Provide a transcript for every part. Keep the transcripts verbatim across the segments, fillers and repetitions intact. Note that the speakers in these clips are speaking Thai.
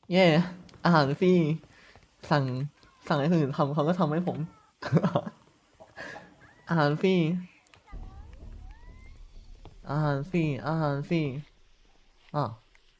เย่อาหารฟรีสั่งสั่งให้คนอื่นทำเขาก็ทำให้ผม อาหารฟรีอาหารฟรีอาหารฟรีอ่ะ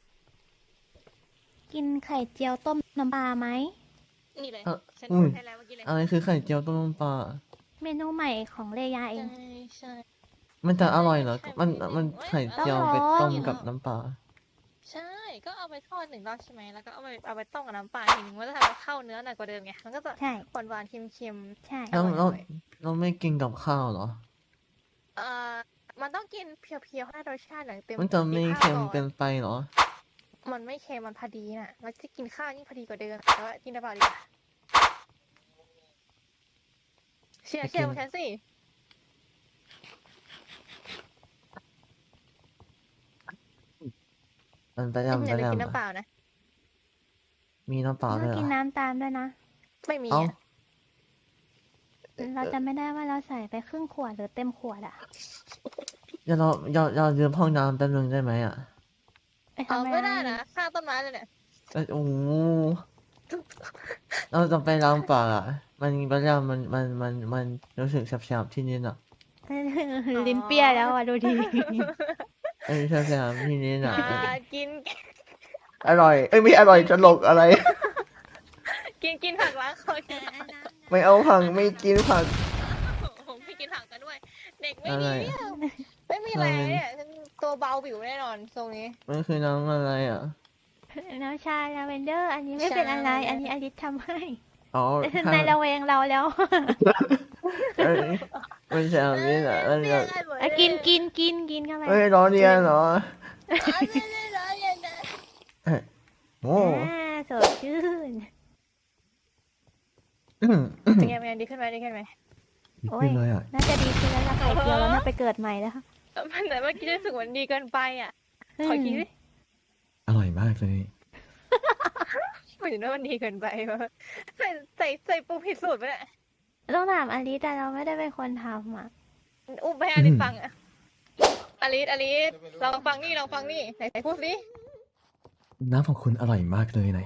กินไข่เจียวต้มน้ำปลาไหมนี่เลยเอ่อฉันอุ้พูยดให้แล้วเมื่อกี้เลยอะไรคือไข่เจียวต้มน้ำปลาเมนูใหม่ของเลยาเอใช่งใช่มันจะอร่อยเหรอใช่มันใช่มันเอ้ยไข่เจียวอร่อยไปต้มกินกับแล้วน้ำปลาใช่ ก็เอาไปทอดหนึ่งรอบใช่ไหม แล้วก็เอาไปเอาไปต้มกับน้ำปลาทีนึงมันจะทำให้เข้าเนื้อหน่อยกว่าเดิมไง มันก็จะใช่หวานหวานๆเค็มเค็มใช่ๆอแล้วร่อยเราอร่อยเราไม่กินกับข้าวเหรอเอ่อมันต้องกินเพียวๆให้รสชาติหน่อยเต็มมันจะไม่มีข้าวเค็มก่อนเกินไปเหรอมันไม่เค็มมันพอดีน่ะ แล้วจะกินข้าวยิ่งพอดีกว่าเดิมแต่ว่ากินได้เปล่าดีกว่าเชียร์ไปเชียกิร์นของฉันสิมันไปฉันยำอไปยากจะกินยำน้ำเปอะล่านะมีน้ำเปล่าเราด้วยเหรกินอน้ำตามด้วยนะไม่มีเอ้าอ่ะเราจะไม่ได้ว่าเราใส่ไปครึ่งขวดหรือเต็มขวดอะเดี๋ยวเราเราเรายืมห้องน้ำแป๊บนึงได้ไหมอ่ะไปเอาทำไม่ได้อะไรนะข้างต้นไม้เลยเนี่ยเอ้ยโอ้โหเราจะไปล้างปากอ่ะ มันไปยำมันมันมันมันรู้สึกแสบๆที่นี่อ่ะลิ้นเปรี้ยแล้วอ่ะดูดีเอ้ยแสบๆที่นี่อ่ะอ่ากินอร่อย เอ้ยไม่อร่อยตลกอะไรกินกินผักล้างคอกินไม่เอาผักไม่กินผักผมไม่กินผักกันด้วย เด็กไม่อะไรดีเนี่ยไม่มีแรงเนี่ยฉันตัวเบาบิวแน่นอนทรงนี้มันคือน้ำอะไรอ่ะน้ำชาลาเวนเดอร์ อันนี้ไม่เป็นอะไรชาอันนี้อลิสทำให้อ๋อนายระแวงเราแล้วเอ้ยไม่ใช่อันนี้นะมันแบบอ่ะกินกินกินกินเข้าไปเฮ้ยร้อนเรียนเหรอไม่ได้ร้อนเลยนะเอ้ยโอ้อ่าสดชื่นอืมอืมเป็นไงเป็นไงดีขึ้นไหมดีขึ้นไหมโอ้ขึ้ยนเลยอ่ะน่าจะดีขึ้นแล้วละไข่เจียวแล้วน่าไปเกิดใหม่แล้วมันแต่เมื่อกี้รู้สึกเหมือนดีเกินไปอ่ะขอคิดดิอร่อยมากเลยเหมือนว่ามันดีเกินไปวะใส่ใส่ใส่ปูผิดสูตรไปแหละต้องถามอลิสแต่เราไม่ได้เป็นคนทำอ่ะอุ้มไปให้อลิสฟังอ่ะอลิสอลิสลองฟังนี่ลองฟังนี่ไหนไหนพูดสิน้ำของคุณอร่อยมากเลยไหน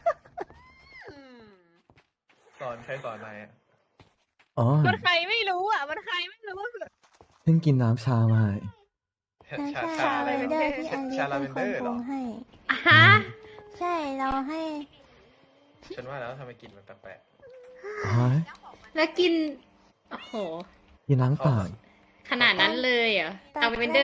สอนใครสอนนายอะอ๋อมันใครไม่รู้อ่ะ มันใครไม่รู้เพิ่งกินน้ำชามาน้ำชาชาชาลาอะไรเวนนะเดอร์ที่อลิสชาลาเป็เวน นคเดนอร์ปเหรอรุงให้ฮะใช่เราให้ฉันว่าแล้วทำไมกลิ่นมันแปลกอ๋อแล้วกิน โอ้โหกินล้างปากขนาดนั้นเลยเหรอตอนเอาไปเป็นเดอร์